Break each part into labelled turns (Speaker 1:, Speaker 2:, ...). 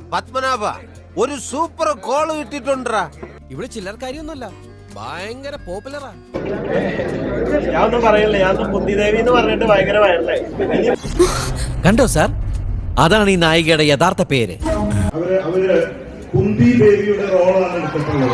Speaker 1: പത്മനാഭ ഒരു super call കിട്ടിട്ടുണ്ടാ.
Speaker 2: ഇവിടെ ചില്ലറക്കാരിയൊന്നുമല്ല, ഭയങ്കര പോപ്പുലറാ.
Speaker 3: ഞാൻ ഒന്നും പറയില്ല, ഞാൻ കുന്തിദേവി എന്ന് പറഞ്ഞിട്ട് ഭയങ്കര വൈറലായി.
Speaker 2: കണ്ടോ സാർ, അതാണ് ഈ നായികയുടെ യഥാർത്ഥ പേര്.
Speaker 4: അവര് കുന്തി ദേവിയുടെ റോളാണ് എടുത്തിട്ടുള്ളത്.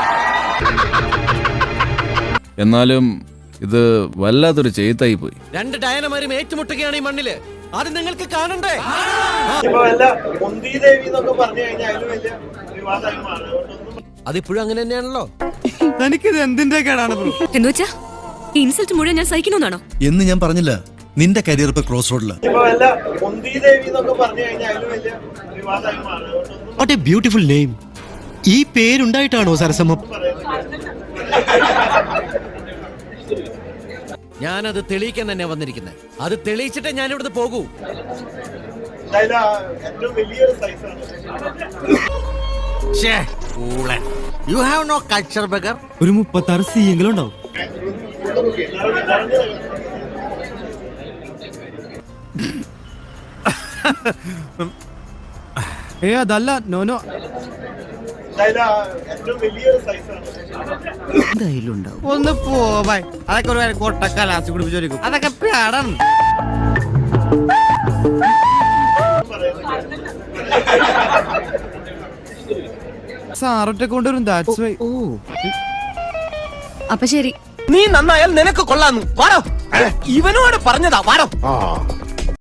Speaker 5: എന്നാലും ഇത് വല്ലാത്തൊരു ചെയ്ത്തായി പോയി.
Speaker 2: രണ്ട് ഡയനമാരും ഏറ്റുമുട്ടുകയാണ് ഈ മണ്ണില്. അത് നിങ്ങൾക്ക് കാണണ്ടേ?
Speaker 3: ഇപ്പൊ വല്ല കുന്തിദേവി എന്നൊക്കെ പറഞ്ഞു കഴിഞ്ഞാൽ അതിന് വലിയ വിവാദമായി മാറും.
Speaker 2: അതിപ്പോഴും അങ്ങനെ തന്നെയാണല്ലോ.
Speaker 6: തനിക്കിത് എന്തിന്റെ കേടാണ് ബ്രോ?
Speaker 7: എന്നുവെച്ചാ ഇൻസൾട്ട് മുഴുവൻ ഞാൻ സഹിക്കണമെന്നാണോ?
Speaker 8: എന്ന് ഞാൻ പറഞ്ഞില്ല. നിന്റെ കരിയർ ഇപ്പൊ ക്രോസ് റോഡില്.
Speaker 3: ഇപ്പൊ വല്ല കുന്തിദേവി എന്നൊക്കെ പറഞ്ഞു കഴിഞ്ഞാൽ അതിന് വലിയ വിവാദമായി മാറും.
Speaker 6: What a beautiful name. ഈ പേരുണ്ടായിട്ടാണോ സരസമ്മ?
Speaker 2: ഞാനത് തെളിയിക്കാൻ തന്നെ വന്നിരിക്കുന്നത്. അത് തെളിയിച്ചിട്ടേ ഞാൻ ഇവിടുന്ന് പോകൂ.
Speaker 3: എന്തായാലും ഏറ്റവും വലിയൊരു സൈസാണ്.
Speaker 1: You have no culture bugger.
Speaker 6: ഒരു 36 സി എങ്കിലും ഉണ്ടാവും. അതല്ല, നോനോ.
Speaker 3: എന്തായാലും ഏറ്റവും വലിയൊരു സൈസാണ്.
Speaker 6: ഒന്ന് പോവാൻ അതൊക്കെ ഒരു കൊട്ടക്കാലാസി കുടിപ്പിച്ചോരിക്കും. അതൊക്കെ പേടാണ്. സാറൊറ്റ കൊണ്ടുവരും. That's why.
Speaker 7: അപ്പൊ ശരി.
Speaker 2: നീ നന്നായാൽ നിനക്ക് കൊള്ളാന്നു. വാടോ, ഇവനോട് പറഞ്ഞതാ. വാടോ.